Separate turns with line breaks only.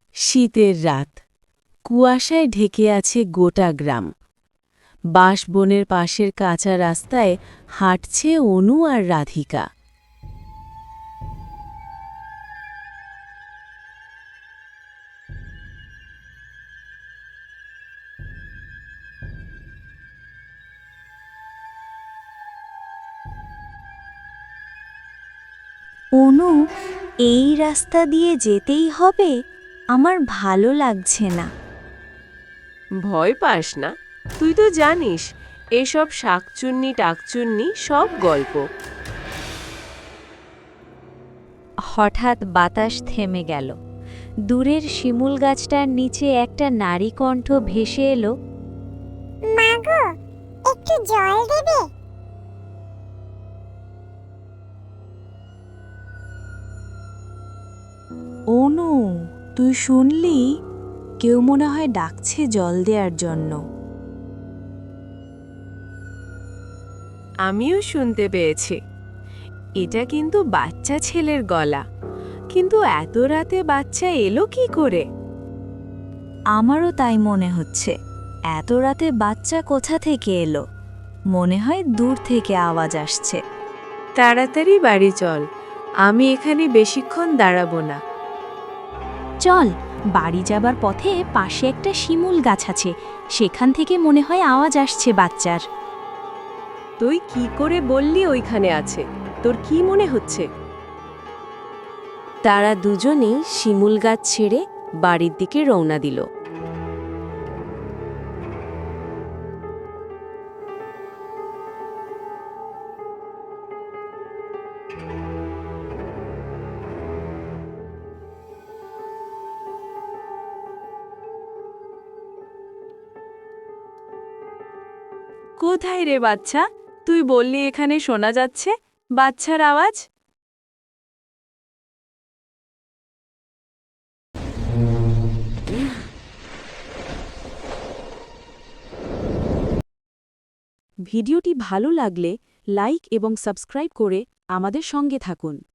শীতের রাত, কুয়াশায় ঢেকে আছে গোটা গ্রাম। বাঁশবনের পাশের কাঁচা রাস্তায় হাঁটছে অনু আর রাধিকা।
অনু, এই রাস্তা দিয়ে যেতেই হবে? আমার ভালো লাগছে না।
ভয় পাস না, তুই তো জানিস এসব শাকচুন্নি টাকচুন্নি সব গল্প।
হঠাৎ বাতাস থেমে গেল। দূরের শিমুল গাছটার নিচে একটা নারী কণ্ঠ ভেসে এলো।
মাগো, একটু জল দেবে?
অনু, তুই শুনলি? কেউ মনে হয় ডাকছে জল দেওয়ার জন্য।
আমিও শুনতে পেয়েছি। এটা কিন্তু বাচ্চা ছেলের গলা, কিন্তু এত রাতে বাচ্চা এলো কি করে?
আমারও তাই মনে হচ্ছে। এত রাতে বাচ্চা কোথা থেকে এলো? মনে হয় দূর থেকে আওয়াজ আসছে।
তাড়াতাড়ি বাড়ি চল, আমি এখানে বেশিক্ষণ দাঁড়াবো না।
চল, বাড়ি যাবার পথে পাশে একটা শিমুল গাছ আছে, সেখান থেকে মনে হয় আওয়াজ আসছে বাচ্চার।
তুই কি করে বললি ওইখানে আছে? তোর কি মনে হচ্ছে? তারা দুজনেই শিমুল গাছ ছেড়ে বাড়ির দিকে রওনা দিল। কোথায় রে বাচ্চা? তুই বললি এখানে শোনা যাচ্ছে বাচ্চার আওয়াজ।
ভিডিওটি ভালো লাগলে লাইক এবং সাবস্ক্রাইব করে আমাদের সঙ্গে থাকুন।